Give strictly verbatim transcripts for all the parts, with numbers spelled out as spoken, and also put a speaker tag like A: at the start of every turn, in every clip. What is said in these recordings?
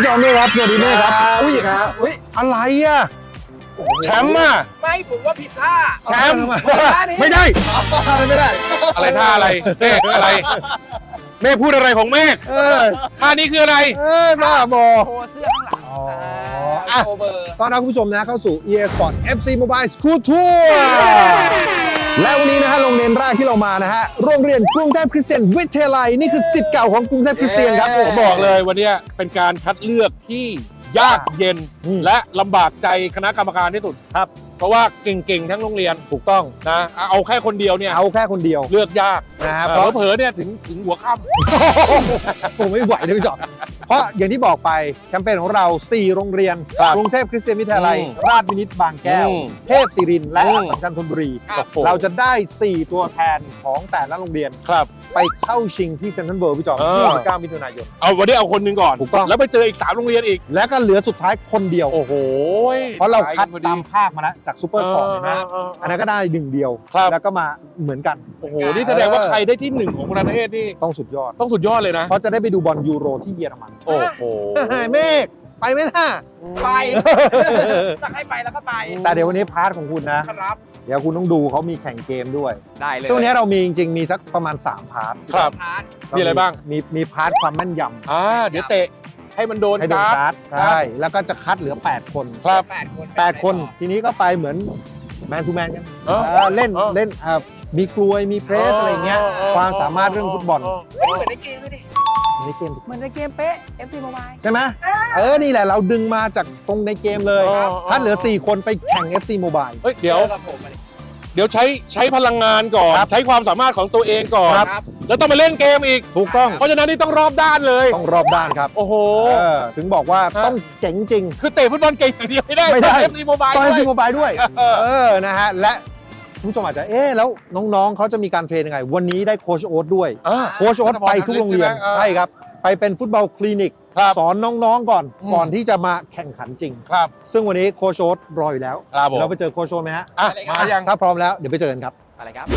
A: จอมด้วยครับสวัสดีแม่ครับอุ้ย
B: ครับ
A: อุ้ยอะไรอ่ะแชมป์อ่ะ
B: ไม่ผมว่าผิดท่า
A: แชมป์
B: ท่านี้
A: ไม่ได้ท่านี้ไม่ได้
C: อะไรท่าอะไรเมฆอะไรเมฆพูดอะไรของเมฆ
A: เออ
C: ท่านี้คืออะไร
A: เออบ้าบอ
B: โชว์เสื้อข้างหลัง
A: อ๋อ
B: อ่าโชว์เบอร์
A: ต้อนรับคุณผู้ชมนะเข้าสู่ อี เอ Sport เอฟ ซี Mobile School Tour และวันนี้นะฮะโรงเรียนแรกที่เรามานะฮะโรงเรียนกรุงเทพคริสเตียนวิทยาลัยนี่คือศิษย์เก่าของกรุงเทพคริสเตียนครับผม
C: ผมบอกเลยวันนี้เป็นการคัดเลือกที่ยากเย็น
A: อืม
C: และลำบากใจคณะกรรมการที่สุด
A: ครับ
C: เพราะว่าเก่งๆทั้งโรงเรียน
A: ถูกต้อง
C: นะเอาแค่คนเดียวเนี่ย
A: เอาแค่คนเดียว
C: เลือกยาก
A: นะฮะ
C: เอ
A: เพ
C: อ
A: ราะ
C: เผลอๆเนี่ยถึงถึงหัวค่
A: ผมไม่ไหวเลยพี่จอมเพราะอย่างที่บอกไปแคมเปญของเรา สี่ โรงเรียน
C: ครับ
A: กรุงเทพคริสเตียนวิทยาลัย
C: อืม
A: ราชวินิตบางแก้ว
C: อืม
A: เทพศิรินทร์และ
C: อืม
A: อัสสัมชัญธนบุรี
C: ำโอ้โห
A: เราจะได้ สี่ ตัวแทนของแต่ละโรงเรียน
C: ครับ
A: ไปเข้าชิงที่เซ็นทรัลเวิลด์พี่จอม
C: เออ
A: ที่สิบเก้ามิถุนายน
C: เอาวันนี้เอาคนหนึ่งก่อน
A: ถูกต้อง
C: แล้วไปเจออีกสามโรงเรียนอีก
A: และก็เหลือสุดท้ายคนเดียว
C: โอ้โห
A: เพราะเราคัด
C: พอ
A: ตามภาคมาแล้วจากซูเปอร์สปอร์ตเห็นไหม
C: เออ
A: อันนั้นก็ได้หนึ่งเดียว
C: ครับ
A: แล้วก็มาเหมือนกัน
C: โอ้โหนี่แสดงว่าใครได้ที่หนึ่งของประเทศนี่
A: ต้องสุดยอด
C: ต้องสุดยอดเลยนะ
A: เพราะจะได้ไปดูบอลยูโรที่เยอรมัน
C: โอ้โห
A: เมฆไปไหมล่ะ
B: ไปถ้าให้ไปแล้วก็ไป
A: แต่เดี๋ยววันนี้พาร์ทของคุณนะ
B: ครับ
A: เดี๋ยวคุณต้องดูเขามีแข่งเกมด้วย
B: ได้เลย
A: ช่วงนี้เรามีจริงๆ มีสักประมาณ สาม พาร์ท
C: ครับ
B: พาร์ท
C: มีอะไรบ้าง
A: มีมีพาร์ทความแม่นย
C: อ่าเดี๋ยวเตะให้มันโดน
A: ำให้โดน
C: การ์ด
A: การ์ดใช่แล้วก็จะคัดเหลือ แปด คน
C: ครับ
B: แปดคน
A: แปด คน ทีนี้ก็ไปเหมือนแมนทูแมนกัน
C: เออ
A: เออเล่น
C: เออ
A: เล่นอ่ามีกลวยมีเพรสอะไรเงี้ย ความสามารถเรื่องฟุตบอล
B: เฮ้ยเหมือนในเกมเลยดิ
A: ในเกม
B: เหมือนในเกมเป๊ะ เอฟ ซี Mobile
A: ใช่ไหมเออ นี่แหละเราดึงมาจากตรงในเกมเลย
C: เออ
A: ถ้าเหลือ สี่ คนไปแข่ง เอฟ ซี Mobile
C: เฮ้ยเดี๋ยว
B: จอกับผมมาดิ
C: เดี๋ยวใช้ใช้พลังงานก่อน
A: ครับ
C: ใช้ความสามารถของตัวเองก่อน
A: ครับ
B: ครับ
C: แล้วต้องมาเล่นเกมอีก
A: ถูกต้อง
C: เพราะฉะนั้นนี่ต้องรอบด้านเลย
A: ต้องรอบด้านครับ
C: โอ้โห
A: เออถึงบอกว่า
C: ฮะ
A: ต้องเจ๋งจริง
C: คือเตะฟุตบอลเก่งอย่างเดียวไม่ได้
A: ไม่ได้
C: เอฟซีโมบาย
A: ตอน เอฟ ซี
C: ด้วย
A: Mobile ด้วย
C: เออ
A: เออ นะฮะ และคุณผู้ชมอาจจะ เอ๊ะ แล้วน้องๆ เขาจะมีการเทรนยังไง วันนี้ได้โค้ชโอ๊ตด้วย
C: อ่า
A: โค้ชโอ๊ตไปทุกโรงเรียน
C: ใช่ไหมเออ
A: ใช่ครับ ไปเป็นฟุตบอลคลินิก
C: ครับ
A: สอนน้องๆ ก่อน
C: อืม
A: ก่อนที่จะมาแข่งขันจริง
C: ครับ
A: ซึ่งวันนี้โค้ชโอ๊ตรออยู่แล้ว
C: ครับผม
A: เราไปเจอโค้ชโอ๊ตไหมฮะ
C: อ่ะมายัง
A: ถ้าพร้อมแล้ว เดี๋ยวไปเจอกันครับ
B: อะไรครับ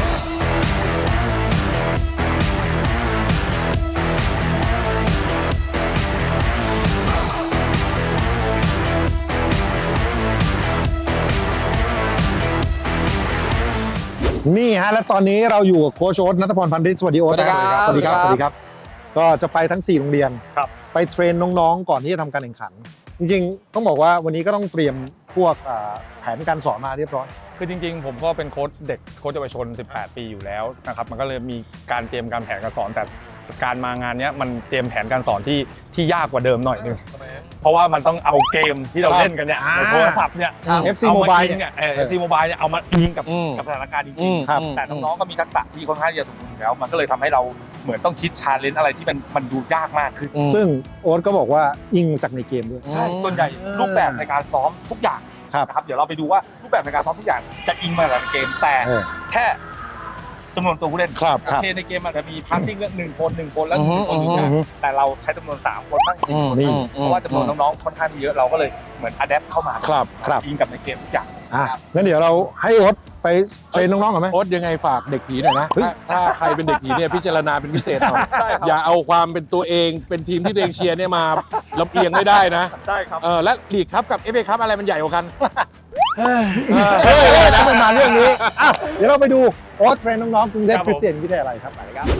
A: นี่ฮะ และตอนนี้เราอยู่กับโค้ชโอ๊ตณัฐพรพันธิตสวัสดีโอ๊ต
B: สวัสดีครับ
A: สวัสดีครับ
B: ส
A: ส
B: วั
A: วั
B: ส
A: ส
B: ดี
A: ดี
B: ค
A: ค
B: รั
A: รับ บ ก็จะไปทั้ง สี่ โรงเรียน
D: ครับ
A: ไปเทรนน้องๆ ก่อนที่จะทำการแข่งขัน จริงๆ ต้องบอกว่าวันนี้ก็ต้องเตรียมพวกอ่าแผนการสอนมาเรียบร้อย
D: คือจริงๆ ผมก็เป็นโค้ชเด็กโค้ชเยาวชน สิบแปด ปีอยู่แล้วนะครับมันก็เลยมีการเตรียมการแผนการสอนแต่การมางานเนี้ยมันเตรียมแผนการสอนที่ที่ยากกว่าเดิมหน่อยนึงเพราะว่ามันต้องเอาเกมที่เราเล่นกันเนี่ย
A: อ่า
D: โทรศัพท์เนี่ย
A: ครับ เอฟ ซี
D: เอามา
A: Mobile
D: อิงเนี่ยเออ เอฟ ซี Mobile เนี่ยเอามาอิงกับ
C: อืม
D: กับสถานการณ์จ
C: อื
D: ริง
C: ม
A: ครับ
D: ๆแต่น้องๆ ก็มีทักษะที่ค่อนข้างจะถูกอยู่แล้ว มันก็เลยทำให้เราเหมือนต้องคิดชาเลนจ์อะไรที่มันมันดูยากมากขึ้น
C: อืม
A: ซึ่งโอ๊ตก็บอกว่าอิงจากในเกมด้วย
D: ใช่ส่วนใหญ่รูปแบบในการซ้อมทุกอย่าง
A: ครับ
D: นะครับเดี๋ยวเราไปดูว่ารูปแบบในการซ้อมทุกอย่างจะอิงมาจากในเกมแต่
A: เออ
D: แค่จำนวนตัวผู้เล่น
C: ครับ
D: โอเคในเกมอาจจะมีพาสซิ่งเรื่องหนึ่งคนหนึ่งคนแล้ว
C: อื
D: ห
C: อฮึ
D: นึ่งคนอยู่
C: อื
D: เนี่
C: อฮึ
D: ยแต่เราใช้จำนวนสามคนบ้างสี่คน
A: นี่
D: เพราะว่าจำนวนน้องๆค่อนข้างที่เยอะเราก็เลยเหมือนอัดแอปเข้ามา
C: ครับ
A: ครับ
D: อิงกับในเกมทุกอย่าง
A: อ่ะงั้นเดี๋ยวเราให้โอ๊ตไปเทรนน้องๆก่อนไหม
C: โอ๊ตยังไงฝากเด็กผีหน่อยนะ
A: เฮ้ย
C: ถ้าถ้าใครเป็นเด็กผีเนี่ยพิจารณาเป็นพิเศษหน่อยอย่าเอาความเป็นตัวเองเป็นทีมที่ตัวเองเชียร์เนี่ยมาลำเอียงไม่ได้นะ
D: ได้ครับ
C: เออและลีกครับกับเอฟเอครับอะไรมันใหญ่กว่ากัน
A: เฮ้ยนะมันมาเรื่องนี้อ้าวเดี๋ยวเราไปดูโอ๊ตเทรนน้องๆกรุงเทพ
D: ครับ
A: ค
D: ผม
A: ริสเตียนวิทยาลัยครับ
B: อะไรครับ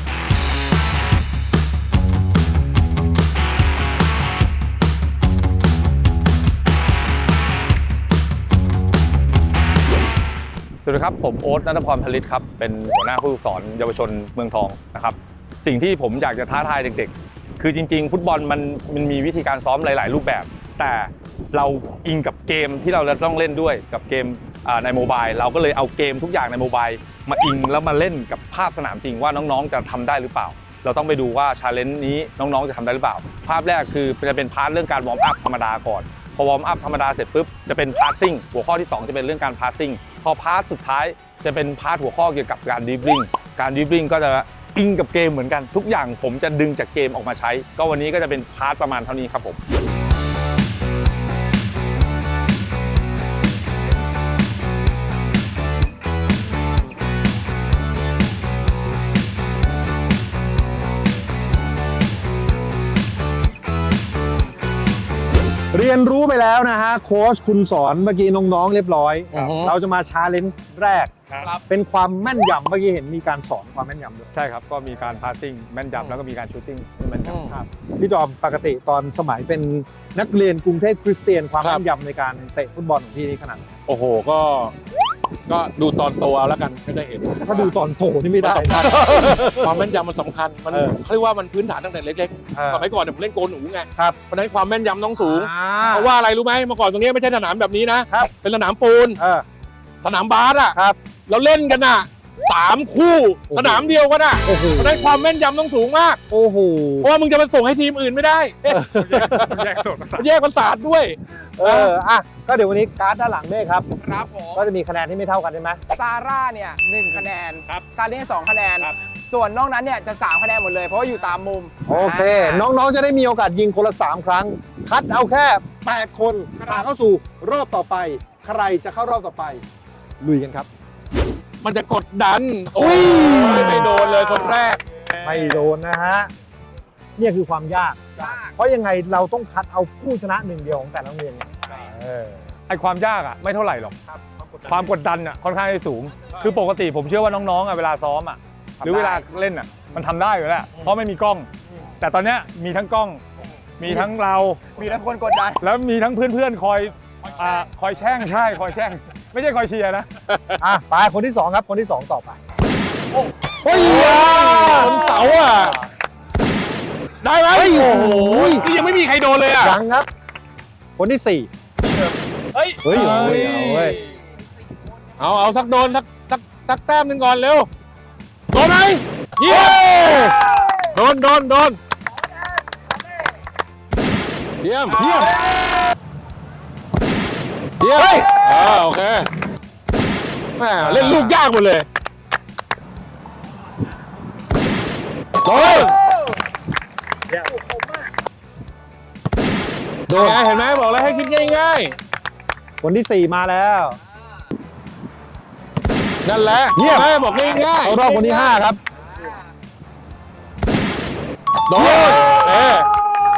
D: สวัสดีครับผมโอ๊ตณัฐพรผลิตครับเป็นหัวหน้าผู้ฝึกสอนเยาวชนเมืองทองนะครับสิ่งที่ผมอยากจะท้าทายเด็กๆ คือจริงๆ ฟุตบอลมันมันมีวิธีการซ้อมหลายๆ รูปแบบ แต่เราอิงกับเกมที่เราจะต้องเล่นด้วยกับเกมอ่าในโมบายเราก็เลยเอาเกมทุกอย่างในโมบายมาอิงแล้วมาเล่นกับภาพสนามจริงว่าน้องๆจะทำได้หรือเปล่า เราต้องไปดูว่าชาเลนจ์นี้น้องๆจะทำได้หรือเปล่า ภาพแรกคือจะเป็นพาร์ทเรื่องการวอร์มอัพธรรมดาก่อนพอวอร์มอัพธรรมดาเสร็จปุ๊บจะเป็นพาสซิ่งหัวข้อที่สองจะเป็นเรื่องการพาสซิ่งพอพาร์ทสุดท้ายจะเป็นพาร์ทหัวข้อเกี่ยวกับการดริบลิ่งการดริบลิ่งก็จะอิงกับเกมเหมือนกันทุกอย่างผมจะดึงจากเกมออกมาใช้ ก็วันนี้ก็จะเป็นพาร์ทประมาณเท่านี้ครับผม
A: เรียนรู้ไปแล้วนะฮะโค้ชคุณสอนเมื่อกี้น้องๆเรียบร้อย
C: อือฮึ
A: เราจะมาชาเลนจ์แรก
D: ครับ
A: เป็นความแม่นยำเมื่อกี้เห็นมีการสอนความแม่นยำด้วย
D: ใช่ครับ ก็มีการพาสซิ่งแม่นยำแล้วก็มีการชูตติ้งแม่นยำ
A: ครับพี่จอมปกติตอนสมัยเป็นนักเรียนกรุงเทพคริสเตียนความ
C: ครับ
A: แม่นยำในการเตะฟุตบอลของพี่นี่ขนาดไหน
C: โอ้โหก็ ก็ดูตอนโตเอาแล้วกันก็ได้เห็น
A: ถ้าดูตอนโถนี่ไม่
C: มัน
A: ได้
C: สำคัญความแม่นยำมันสำคัญมัน
A: เออ
C: เขาเรียกว่ามันพื้นฐานตั้งแต่เล็ก
A: เออ
C: ๆสมัยก่อนเนี่ยผมเล่นโกนหนูไง
A: ครับ
C: เพราะฉะนั้นความแม่นยำต้องสูง
A: อ่า
C: เพราะว่าอะไรรู้ไหมเมื่อก่อนตรงนี้ไม่ใช่สนามแบบนี้นะครับ เป็นสนามปูน
A: เออ
C: สนามบาสอ่ะ
A: ครับ
C: เราเล่นกันอ่ะสามคู่
A: โอ้โห
C: สนามเดียวกันอ่ะ
A: โอ้โห
C: เพราะฉะนั้นความแม่นยำต้องสูงมาก
A: โอ้โห
C: เพราะว่ามึงจะไปส่งให้ทีมอื่นไม่ได้
D: แยกส่วนประสาท
C: แยกประสาทด้วย
A: เอออ่ะก็เดี๋ยววันนี้การ์ดด้านหลังเมฆครับ
B: ครับผม
A: ก็จะมีคะแนนที่ไม่เท่ากันใช่ไหม
B: ซาร่าเนี่ยหนึ่งคะแนน
D: ครับ
B: ซาเล่สองคะแนน
D: ครับ
B: ส่วนนอกนั้นเนี่ยจะสามคะแนนหมดเลย เพราะว่าอยู่ตามมุม
A: โอเค น้องๆจะได้มีโอกาสยิงคนละสามครั้ง คัดเอาแค่แปดคนผ่านเข้าสู่รอบต่อไป ใครจะเข้ารอบต่อไป ลุยกันครับ
C: มันจะกดดัน โอ้ยไม่โดนเลยคนแรก
A: ไม่โดนนะฮะเนี่ยคือความยาก เพราะยังไงเราต้องคัดเอาผู้ชนะหนึ่งเดียวของแต่ละโรงเรียนไงเออ
D: ไอความยากอ่ะไม่เท่าไหร่หรอกความกดดันอ่ะค่อนข้างจะสูง คือปกติผมเชื่อว่าน้องๆอ่ะเวลาซ้อมอ่ะหรือเวลาเล่นอ่ะมันทำได้อยู่แล้วเพราะไม่มีกล้อง แต่ตอนเนี้ยมีทั้งกล้อง มีทั้งเรา
B: มีทั้งคนกดดัน
D: แล้วมีทั้งเพื่อนๆคอยอ่าคอยแช่งใช่คอยแช่ง ไม่ใช่คอยเชียร์นะ
A: อ่ะไปคนที่สองครับคนที่สองต่อไป
C: เฮ้ยบนเสาอ่ะ ได้ไหม
A: เฮ้ย
C: โอ้โห
A: โอ้ย
C: นี่ยังไม่มีใครโดนเลยอ่ะ
A: ยังครับ คนที่สี่
D: เฮ้ย
A: เฮ้ยเอาเว้ยเอาเว้ย
C: เอาเอาสักโดนสักสักสักแต้มหนึ่งก่อนเร็ว โดนไหมเยี่ยมโดนโดนโดนเยี่ยมเยี่ยมเยี่ยมอ่าโอเคแม่เล่นลูกยากหมดเลยโดน
A: โด
C: โด
A: น
C: นเห็นไหมบอกแล้วให้คิดง่าย
A: คนที่สี่มาแล้ว
C: ๆ นั่นแหละ
A: เยี่ยม
C: แม่บอกง่ายๆ
A: เข้ารอบคนที่ห้าครับ
C: โดนเอ๊ะ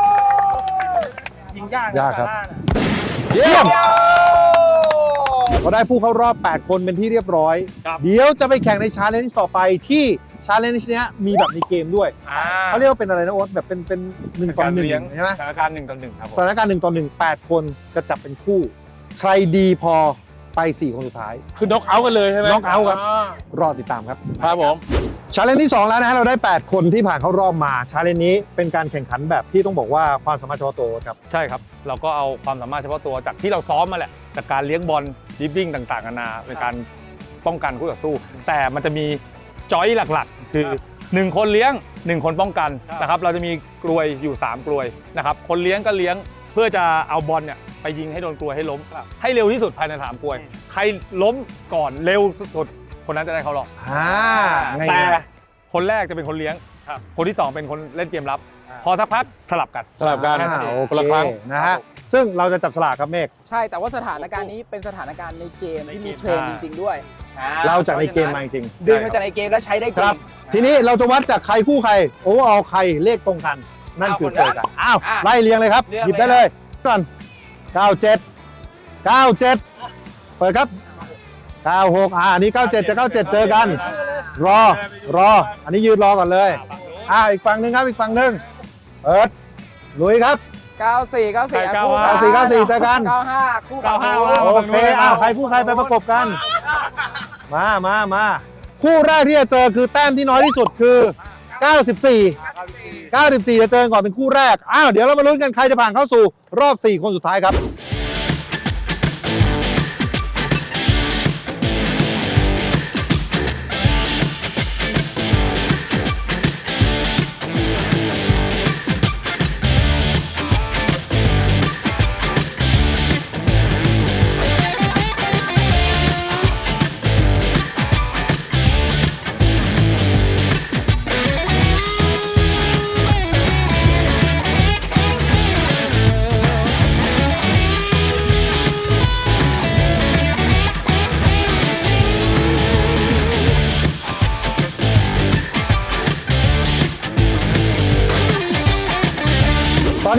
B: ยิงยากนะ
A: ยากครับ
B: ซร่น่ะ
C: เยี่ยม
A: เราได้ผู้เข้ารอบแปดคนเป็นที่เรียบร้อย
D: ครับ
A: เดี๋ยวจะไปแข่งในชาเลนจ์ต่อไปที่ชาเลนจ์เนี้ยมีแบบในเกมด้วย
D: อ่า
A: เขาเรียกว่าเป็นอะไรนะโอ๊ตแบบเป็นเป็นหนึ่งต่อหนึ่ง
D: เลี้ยง
A: ใช่ไหม
D: สถานการณ์หนึ่งต่อหนึ่งครับผม
A: สถานการณ์หนึ่งต่อหนึ่งแปดคนจะจับเป็นคู่ ใครดีพอไปสี่คนสุดท้าย
C: คือน็อกเอาท์กันเลยใช่ไหม
A: knock out ครับ
C: อ่าร
A: อติดตามครับ
C: ครับผม
A: ชาเลนจ์ที่สองแล้วนะฮะเราได้แปดคนที่ผ่านเข้ารอบมาชาเลนจ์นี้เป็นการแข่งขันแบบที่ต้องบอกว่าความสามารถเฉพาะตัวครับ
D: ใช่ครับ เราก็เอาความสามารถเฉพาะตัวจากที่เราซ้อมมาแหละจากการเลี้ยงบอลดริบบิ้งต่างๆนานาในการป้องกันคู่ต่อสู้ แต่มันจะมีจอยหลักๆ คือหนึ่งคนเลี้ยงหนึ่งคนป้องกันนะครับเราจะมีกลวยอยู่สามกลวยนะครับคนเลี้ยงก็เลี้ยงเพื่อจะเอาบอลเนี่ยไปยิงให้โดนกลวยให้ล้ม ให้เร็วที่สุดภายในสามกลวย ใครล้มก่อนเร็วสุดคนนั้นจะได้เข้ารอบ
A: อ่าไง
D: แต่คนแรกจะเป็นคนเลี้ยง คนที่สองเป็นคนเล่นเกมรับ พอสักพักสลับกัน
C: สลับกัน
A: อ่าโอ
C: คนละ
A: เค
C: ครั้ง
A: นะฮะซึ่งเราจะจับสลากครับเมฆ
B: ใช่ แต่ว่าสถานการณ์นี้เป็นสถานการณ์ในเกมที่มีเทรนจริง ๆ ด้วย
A: เราจากในเกมมาจริง
B: ดึงมาจากในเกมแล้วใช้ได้
A: ๆ
B: จ
A: ค
B: ริ
A: รั
B: ง
A: บ ทีนี้เราจะวัดจากใครคู่ใครโอเวอร์ออลใครเลขตรงกัน นั่นคือเจอกันอ้าว
B: อ่ะ
A: ไล่เรียงเลยครับ
B: เรียง
A: หยิบได้เลยก่อนเก้าเจ็ดเก้าเจ็ดเปิดครับเก้าหกอ่าอันนี้เก้าเจ็ดจะเก้าเจ็ดเจอกัน รอรอ อันนี้ยืนรอก่อนเลยอ่าอีกฝั่งหนึ่งครับอีกฝั่งหนึ่งเปิดลุยครับ
B: เก้าสี่ เก้าสี่อ่ะคู่
A: เก้าสี่เก้าสี่เจอกัน
B: เก้าห้าคู่
D: เก้าห้า
A: โอเคอ้าวใครคู่ใครไปประกบกัน มามามาคู่แรกที่จะเจอคือแต้มที่น้อยที่สุดคือ เก้าสิบสี่ เก้าสิบสี่จะเจอก่อนเป็นคู่แรก อ้าว เดี๋ยวเรามาลุ้นกันใครจะผ่านเข้าสู่รอบ สี่ คนสุดท้ายครับ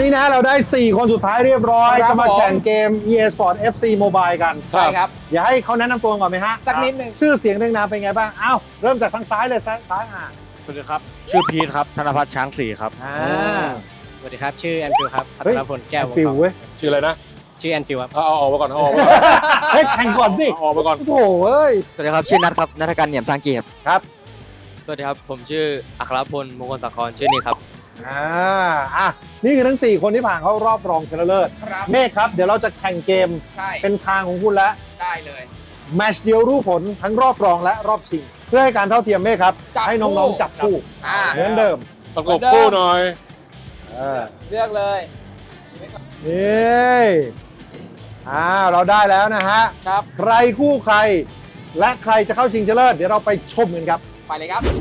A: นะเราได้ สี่ คนสุดท้ายเรียบร้อย
B: ครับ
A: จะมา
B: ผม
A: แข่งเกม อี เอ Sport เอฟ ซี Mobile กัน
B: ใช่ครับ
A: อย่าให้เขาแนะนำตัวก่อนไหมฮะ
B: สักนิดหนึ่ง
A: ชื่อเสียงเรียงนามเป็นไงบ้างอ้าวเริ่มจากทางซ้ายเลยซ้ายซ้ายอ่ะ
E: สวัสดีครับ ชื่อพีทครับ ธนพัฒน์ช้างศรีครับ
A: อ่า
E: สวัสดีครับ ชื่อแอนฟิลครับ พั
A: เฮ้ย
E: ฒนพลแก้ววง
A: ฟิล
E: ทอง
A: เว้ย
C: ชื่ออะไรนะ
E: ชื่อแอนฟิลครับ
C: เอาเอาออกมาก่อนเอาออกมาก่อน
A: เฮ้ยแข่งก่อนสิ
C: เอาออกมาก่อน
A: โถเอ้ย
E: สวัสดีครับ ชื่อนัทครับ นัทการเหนียมสร้างเกียรติ
A: ครับ
E: สวัสดีครับ ผมชื่ออัครพลมงคลสังครชื่อนี้ครับ
A: อ่าอ่ะนี่คือทั้ง สี่ คนที่ผ่านเข้ารอบรองชนะเลิศ
B: ครับ
A: เมฆครับ เดี๋ยวเราจะแข่งเกม
B: ใช่
A: เป็นทางของคุณแล้ว
B: ได้เลย
A: แมตช์เดียวรู้ผลทั้งรอบรองและรอบชิง เพื่อให้การเท่าเทียมเมฆครับ
B: จับ
A: ให้น้อง
B: คู่
A: ๆจับคู่
B: อ่า
A: เหมือนเดิม
C: ประกบคู่หน่อย
A: เออ
B: เลือกเลย
A: นี่อ่าเราได้แล้วนะฮะ
B: ครับ
A: ใครคู่ใคร และใครจะเข้าชิงชนะเลิศเดี๋ยวเราไปชมกันครับ
B: ไปเลยครับ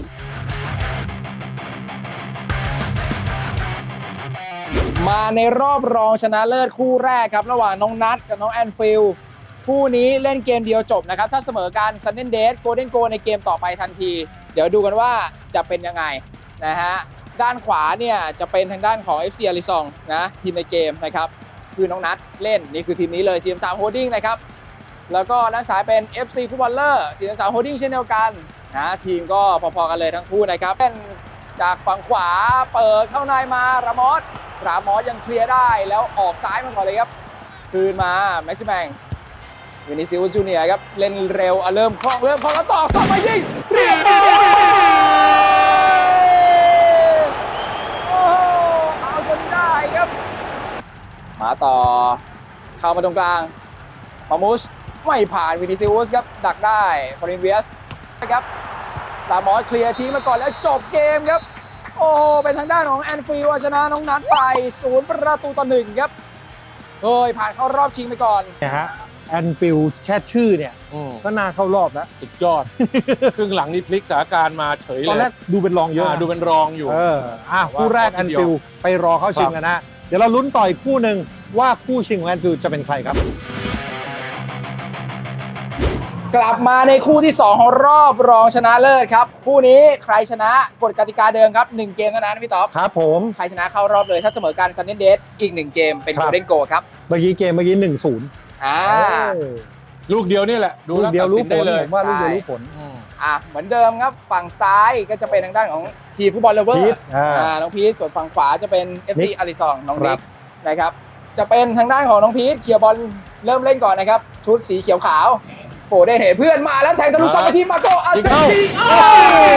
B: มาในรอบรองชนะเลิศคู่แรกครับ ระหว่างน้องนัทกับน้องแอนฟิลคู่นี้เล่นเกมเดียวจบนะครับ ถ้าเสมอกันซันเดนเดสโกลเด้นโกในเกมต่อไปทันที เดี๋ยวดูกันว่าจะเป็นยังไงนะฮะ ด้านขวาเนี่ยจะเป็นทางด้านของ เอฟ ซี อาริซองนะทีมในเกมนะครับ คือน้องนัทเล่นนี่คือทีมนี้เลยทีมสามโฮดดิ้งนะครับ แล้วก็ด้านซ้ายเป็น เอฟ ซี Footballer สีสามโฮดดิ้งเช่นเดียวกันนะทีมก็พอๆกันเลยทั้งคู่นะครับเป็นจากฝั่งขวาเปิดเข้าในมารามอสรามอสยังเคลียร์ได้แล้วออกซ้ายมาก่อนเลยครับคืนมาแม็กซิแมงวินิซิอุสจูเนียร์ครับเล่นเร็วอ่ะเริ่มคล่องเริ่มคล่องแล้วต่อส่งมายิงเรียบร้อยโอ้โหเอาจนได้ครับมาต่อเข้ามาตรงกลางมามูสไม่ผ่านวินิซิอุสครับดักได้ฟอรินเวียสนะครับรามอสเคลียร์ทีมาก่อนแล้วจบเกมครับโอ้โหเป็นทางด้านของแอนฟิลด์ชนะน้องนัทไปศูนย์ประตูต่อหนึ่งครับเฮ้ยผ่านเข้ารอบชิงไปก่อน
A: เนี่ยฮะแอนฟิลแค่ชื่อเนี่ย
C: อืม
A: ก็น่าเข้ารอบแล้ว
C: สุดยอด ครึ่งหลังนี่พลิกสถานการณ์มาเฉยเลย
A: ตอนแรกดูเป็นรองเยอะ
C: อ่า
A: นะ
C: ดูเป็นรองอยู่
A: เอออ่ะคู่แรก
C: ว่า
A: แอน
C: เดียว
A: ฟิลไปรอเข้าชิงกันนะ เดี๋ยวเราลุ้นต่ออีกคู่หนึ่งว่าคู่ชิงของแอนฟิลจะเป็นใครครับ
B: กลับมาในคู่ที่ สอง ของรอบรองชนะเลิศครับ คู่นี้ใครชนะกฎกติกาเดิมครับ หนึ่ง เกมเท่านั้นพี่ต๊อบ
A: ครับผม
B: ใครชนะเข้ารอบเลยถ้าเสมอกันซันเดนเดสอีก หนึ่ง เกมเป็น
A: ครั
B: โก
A: บ
B: ลเด้นโกครับ
A: เมื่อกี้เกมเมื่อกี้หนึ่งศูนย์
B: อ่า
C: ลูกเดียวนี่แหละ ดู
A: ลูก
C: แล้ว
A: เดียว
C: ตัด
A: รู้
C: สิน
A: ผ
C: ได้
A: ล
C: เลย
A: ผมว่าลูกเดียวรู้ผล
C: อืม
B: อ่ะเหมือนเดิมครับ ฝั่งซ้ายก็จะเป็นทางด้านของทีมฟุตบอลเลเวอ
A: พี
B: ร์
A: ทอ่า
B: อ่าน้องพีทส่วนฝั่งขวาจะเป็น เอฟ ซี
A: นิก
B: อาริซองน้อง
A: ครั
B: นิ
A: บ
B: กนะครับจะเป็นทางด้านของน้องพีทเคลียร์บอลเริ่มเล่นก่อนนะครับชุดสีเขียวขาวโฟเดนเห็นเพื่อนมาแล้วแทงทะลุ
C: อ่า
B: ซอกไปที่มาโกอาเซนซี
C: ยิงเข้า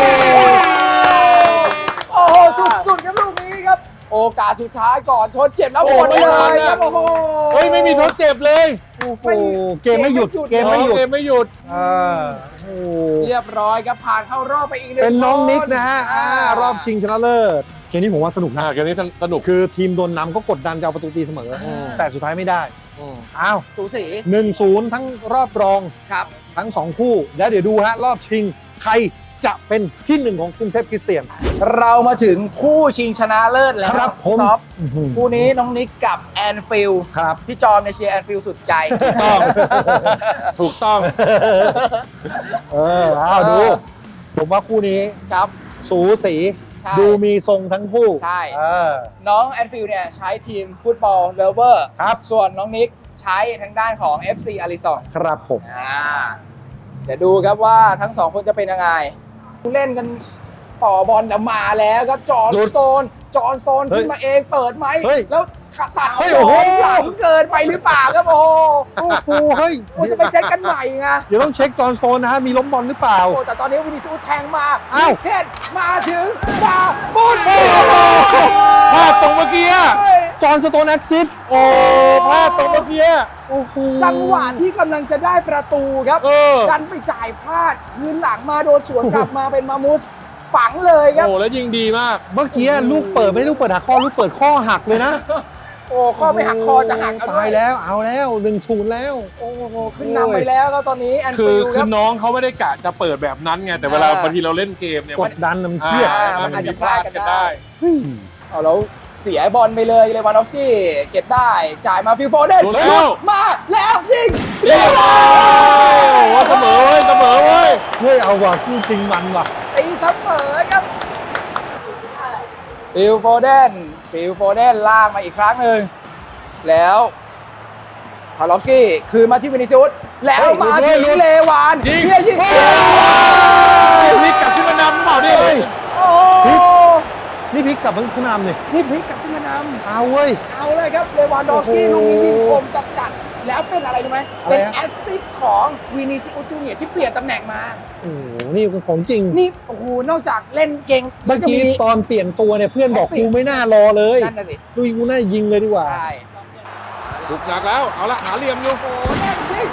B: โอ้โหสุดๆครับลูกนี้ครับ โอกาสสุดท้ายก่อนทดเจ็บแล้ว
C: โอ้
B: หมด
C: ไม่
B: เล
C: ทัน
B: ย
C: อะ
B: ครับโอ้โห
C: เฮ้ย ไม่มีทดเจ็บเลย
A: โอ้โหเกมไม่หยุดเกมไม่หยุด
C: เกมไม่หยุด
A: เออโอ้โห
B: เรียบร้อยครับผ่านเข้ารอบไปอีกหนึ่ง
A: เป็นน้อง
B: ค
A: นิกนะฮะอ่ารอบชิงชนะเลิศเกมนี้ผมว่าสนุกนะ
C: อ่าเกมนี้สนุก
A: คือทีมโดนนำก็กดดันจะเอาประตูตีเสมออ
C: ม
A: แต่สุดท้ายไม่ได้
C: อืม
A: อ้าว
B: สูสี
A: หนึ่งศูนย์ทั้งรอบรอง
B: ครับ
A: ทั้งสองคู่แล้วเดี๋ยวดูฮะรอบชิงใครจะเป็นที่หนึ่งของกรุงเทพคริสเตียน
B: เรามาถึงคู่ชิงชนะเลิศแล้ว
A: ครับผม
B: ท็อป
A: อื้อหือ
B: คู่นี้น้องนิกกับแอนฟิล
A: ครับ
B: พี่จอมในยเชียร์แอนฟิลสุดใจ
C: ต้อง ถูกต้อง
A: เออเอาดู ผมว่าคู่นี้
B: ครับ
A: สูสี
B: ใช่
A: ดูมีทรงทั้งคู่
B: ใช่
A: เออ
B: น้องแอนฟิลเนี่ยใช้ทีมฟุตบอลเลเวอร์
A: ครับ
B: ส่วนน้องนิกใช้ทางด้านของ เอฟ ซี อาริซอง
A: ครับผม
B: อ่าเดี๋ยวดูครับว่าทั้งสองคนจะเป็นยังไงเล่นกันต่อบอลมาแล้วครับจอห์น
A: หลุด
B: สโตนจอห์นสโตน
A: เฮ้ย
B: ขึ้นมาเองเปิดไหม
A: เฮ้ย
B: แล้วตัด
A: เฮ้ย
B: จ
A: โอ้
B: อ
A: โห
B: ห์นหลังเกินไปหรือเปล่าครับโอ้
A: โอ้โหเฮ้ย
B: โหจะไปเซตกันใหม่ไง
A: เดี๋ยวต้องเช็คจอห์นสโตนนะฮะ มีล้มบอลหรือเปล่า
B: โอ้แต่ตอนนี้วินิซูสแทงมา
A: อ้าว
B: เคนมาถึงมาบุญ
C: พลาดตรงเมื่อกี้อะ
A: จอห์นสโตนแอคซิส
C: โอ้พลาดตรงเมื่อกี้อะ
A: โอ้โห
B: จังหวะที่กำลังจะได้ประตูครับ
C: เออ
B: ดันไปจ่ายพลาดคืนหลังมาโดนสวนกลับมาเป็นมามุสฝังเลยครับ
C: โอ้แล้วยิงดีมาก
A: เมื่อกี้ลูกเปิดไม่ได้ลูกเปิดหักข้อลูกเปิดข้อหักเลยนะ
B: โอ้ข้อไม่หักคอจะหักเอด้
A: ตายแล้วเอาแล้วหนึ่งศูนย์แล้ว
B: โอ้โหขึ้นนำไปแล้วครับตอนนี้แอน
C: คื
B: ฟิ
C: อ
B: ล
C: คื
B: ค
C: อ
B: รับ
C: น้องเขาไม่ได้กะจะเปิดแบบนั้นไง แต่เวลา
B: อ่า
C: บางทีเราเล่นเกมเนี่ย
A: ก
C: มัน
A: ดดันน้ำเครียด
C: อ่า
B: มั
C: มัน น
B: อาจ
C: มี
B: จะ
C: พลาดกันได้
A: เฮ้ย
B: เอาแล้วเสียบอลไปเลยเลวานดอฟสกี้เก็บได้จ่ายมาฟิลโฟเดน
C: โดนแล้ว
B: มาแล้วยิง
C: เย้โอ้โหเสมอเว้ยเสมอเว้ย
A: เฮ้ยเอาว่ะคู่ชิงมันว่ะ
B: ตีเสมอครับฟิลโฟเดนฟิลโฟเดนลากมาอีกครั้งหนึ่งแล้วพาลอฟสกี้คืนมาที่วินิซิอุสแล้ว
C: เฮ้ย
B: มา
C: หลุด
B: ที่
C: เลยหลุด
B: เลวาน
C: ยิง
B: เฮียยิง
C: พลิกกลับขึ้นมานำหรือเปล่าเนี่ย
B: โอ้
A: นี่พลิกกลับมาขึ้นนำนี่
B: นี่พลิกกลับขึ้นมานำ
A: เอาเว้ย
B: เอาเลยครับเลวานดอฟสกี้
A: โอ้
B: ลูก
A: โห
B: นี้ยิงคมจัดจัดๆแล้วเป็นอะไรรู้ไหม
A: อะไร
B: เป็น
A: ฮะ
B: แอสซิสต์ของวินิซิอุสจูเนียร์ที่เปลี่ยนตำแหน่งมา
A: โอ้โหนี่คือของจริง
B: นี่โอ้โหนอกจากเล่นเก่ง
A: เมื่อกี้
B: แล้ว
A: ตอนเปลี่ยนตัวเนี่ยเพื่อนบอก
B: แฮปปี้
A: กูไม่น่ารอเลย
B: นั่นน่ะสิ
A: ดูกูน่ายิงเลยดีกว่า
B: ใช่
C: ถูกหนักแล้ว เอาละหาเหลี่ยมอยู่
B: โอ้แน่นจริง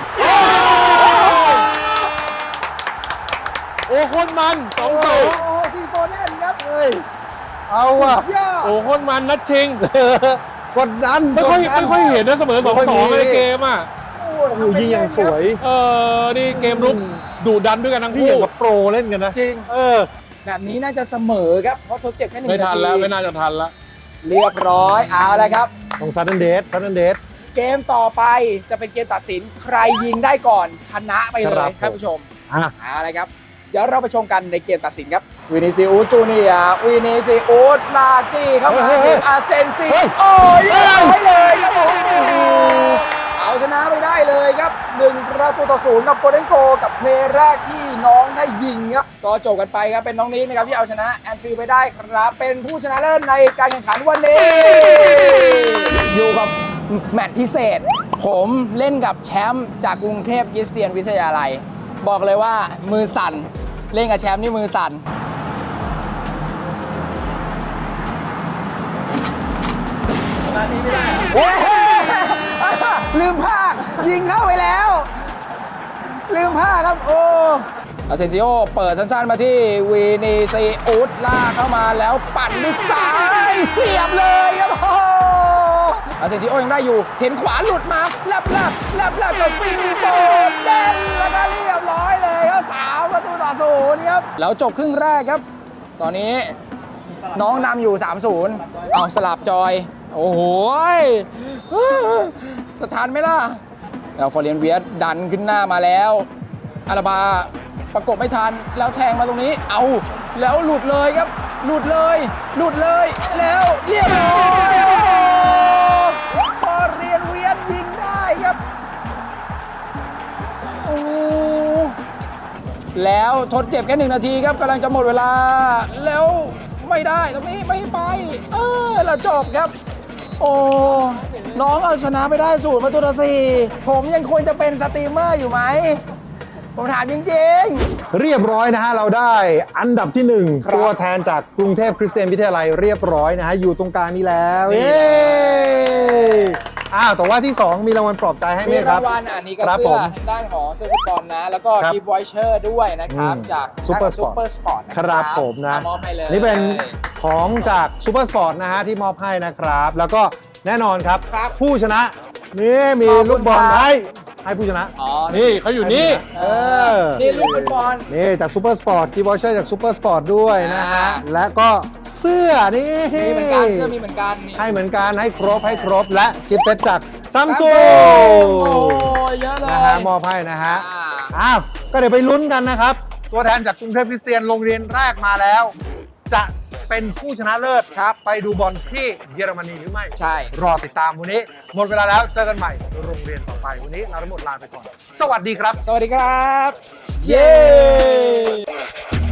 C: โอ้โคนมันสองส
B: โอ้
C: อง
B: โหฟีโฟแน่นครับ
A: เฮ้ย เอาอ่ะ
B: ยอด
C: โอ้โคนมันนัดชิง
A: กดดัน
C: ไม่ค่อย
A: กดดัน
C: ไม่ค่อยเห็นนะเสมอสอง
A: ไม่ค่
C: ส
A: อย
C: อง
A: มี
C: ในเกมอ่ะ
B: โอ้
A: โอ้โหยิงอย่างสวย
C: เออ นี่เกมรุกดุดันด้วยกันทั้ง
A: ที่อ
C: คู่
A: ย่างกับโปรเล่นกันนะ
B: จริง
A: เออ
B: แบบนี้น่าจะเสมอครับ เพราะทดเจ็บแค่หนึ่ง
C: ไม่
B: นา
C: ทัน
B: ที
C: แล้ว ไม่น่าจะทันแล้ว
A: เ
B: เรียบร้อยเอาละครับ
A: ของซัดเดนเดสซัดเดนเดส
B: เกมต่อไปจะเป็นเกมตัดสินใครยิงได้ก่อนชนะไปเล
A: ครั
B: ย
A: บ
B: ท่านผู้ชม
A: อ่ะ
B: เอาละครับ เดี๋ยวเราไปชมกันในเกมตัดสินครับวินิซิอุสจูเนียร์วินิซิอุสลากจี้เข้ามาถึงอาเซนซีโอ้ยเรียบร้อยเลยครับผมเอาชนะไปได้เลยครับหนึ่งประตูต่อศูนย์กับโกลเด้นโกลกับเพลย์แรกที่น้องได้ยิงครับก็จบกันไปครับเป็นน้องนี้นะครับที่เอาชนะแอนฟิลด์ไปได้ครับเป็นผู้ชนะเลิศในการแข่งขันวันนี้ อยู่กับแมตช์พิเศษ ผมเล่นกับแชมป์จากกรุงเทพคริสเตียนวิทยาลัย บอกเลยว่ามือสั่น เล่นกับแชมป์นี่มือสั่น โอ้ยลืมภาคยิงเข้าไปแล้ว ลืมภาคครับ โอ้อาเซนซิโอเปิดสั้นๆมาที่วีนีซีอุสลากเข้ามาแล้วปั่นด้วยซ้ายเสียบเลยครับโอ้อาเซนซิโอยังได้อยู่ เห็นขวาหลุดมาแลบแลบแลบแลบกับฟิลโฟเดนแล้วก็เรียบร้อยเลยครับสามประตูต่อศูนย์ครับ แล้วจบครึ่งแรกครับ ตอนนี้น้องนำอยู่ สามศูนย์ เอาสลับจอย โอ้โหยจะทันไหมล่ะ แล้วฟอร์เรียนเวียสดันขึ้นหน้ามาแล้วอาราบาประกบไม่ทันแล้วแทงมาตรงนี้ เอาแล้วหลุดเลยครับ หลุดเลย หลุดเลย แล้วเรียบร้อยฟอร์เรียนเวียสยิงได้ครับ โอ้ แล้วทดเจ็บแค่หนึ่งนาทีครับกำลังจะหมดเวลา แล้วไม่ได้ตรงนี้ไม่ไป เออเราจบครับ โอ้ น้องเอาชนะไปได้ศูนย์ประตูต่อสี่ผมยังควรจะเป็นสตรีมเมอร์อยู่ไหม ผมถามจริง
A: เรียบร้อยนะฮะ เราได้อันดับที่หนึ่ง
B: ครับ
A: ตัวแทนจากกรุงเทพคริสเตียนวิทยาลัยเรียบร้อยนะฮะ อยู่ตรงกลางนี้แล้ว
B: นี่
A: เย้อ้าวแต่ว่าที่สองมีรางวัลปลอบใจให้
B: ๆ
A: ไหม
B: มี
A: ค
B: รา
A: รับ
B: งวัลอันนี้ก็
A: ครับ
B: เสื้
A: ผ
B: อ
A: ม
B: ทางด้านของเสื้อฟุตบอลนะ แล้วก็
A: ครับ
B: กิฟต์วอยเชอร์ด้วยนะครับ
A: อืม
B: จาก
A: Super
B: ซู
A: Sport
B: เปอร์สปอร์ตนะ
A: ค
B: ค
A: รั
B: รั
A: บบ ผมนะ
B: มอบให้เลย
A: นี่เป็นของจากซูเปอร์สปอร์ตนะฮะที่มอบให้นะครับ แล้วก็แน่นอนครับ
B: ครับ
A: ผู้ชนะ นี่มี
B: ขอบคุณ
A: ลูกบอล
B: ครับ
A: ให้ให้ผู้ชนะ
B: อ๋อ
C: นี่เขาอยู่นี่
A: เออ
B: นี่ลูกฟุตบอล
A: นี่จากซูเปอร์สปอร์ตกีบอเชอร์จากซูเปอร์สปอร์ตด้วยนะฮะ
B: อ่า
A: และก็เสื้อนี่
B: มีเหมือนกันเสื้อมีเหมือนกันนี่
A: ให้เหมือนกันให้ครบให้ครบและกิฟต์เซตจากซัมซุ
B: โอ้
A: ง
B: ยเยอะเลย
A: นะฮะมอบให้นะฮะ
B: อ่า
A: อ้าวก็เดี๋ยวไปลุ้นกันนะครับ ตัวแทนจากกรุงเทพคริสเตียนโรงเรียนแรกมาแล้ว จะเป็นผู้ชนะเลิศครับ ไปดูบอลที่เยอรมนีหรือไม่
B: ใช่
A: รอติดตามวันนี้ หมดเวลาแล้วเจอกันใหม่โรงเรียนต่อไปวันนี้เราทั้งหมดลาไปก่อน สวัสดีครับ
B: สวัสดีครับ เย้